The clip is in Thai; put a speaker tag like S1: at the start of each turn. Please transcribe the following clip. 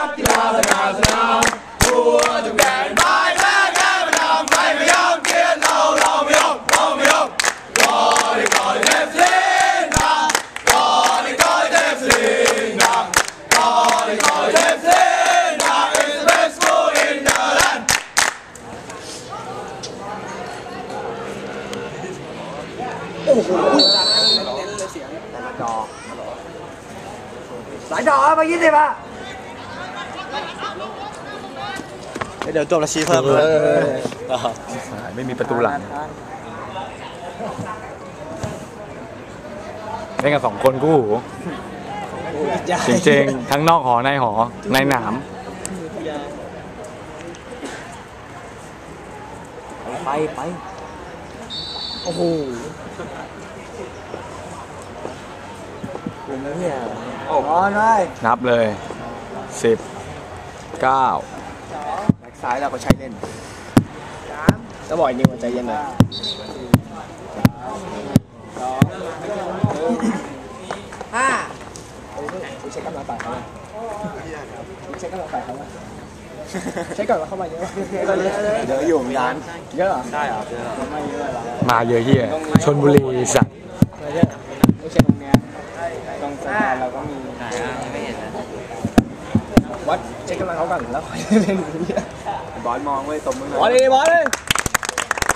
S1: กกีฬาสนามสนามหัวจุกแดงไปแพ้แพ้ไม่ทำใครไม่ยอมเกียรเราไม่ยอมเราไม่ยอมก่อนเทพสิงห์ดังก่อนเทพสิงห์ดังก่อนเทพสิงห์ดัง is the best school in the land
S2: โอ้โหจัดเน้นเลยเสียงดอกสายดอกมา20อ่ะเดี๋ยวจบแล้วชี้เพิ่มเลย
S3: ไม่มีประตูหลังเล่นกัน2 คนกู้หูจริงๆทั้งนอกหอในหอในหนาม
S2: ไปโอ้โหคุณเนี่ยนอนได้
S3: นับเลย10 9
S2: แบ็คซ้ายเราก็ใช้เล่นจะบ่อยนิวใจเย็นหน่อย5เช็คกำลังต่างเขาเช็คกำลังต่างเขาเช็คก่อนว่าเข้ามาเยอะเยอะอยู่ร้านเยอะเหรอได้เหรอไม่เยอะหรอ
S3: มาเยอะเฮียชลบุรีสัตว์
S2: ไม่ใช่ตรงนี้ตรงสะพานเราก็มีไม่เห็นนะวัดเช็คกำลังเขาก่อนแล้วค่อยเล่นบอลมองไว้ตบมือหน่อยบอลเลย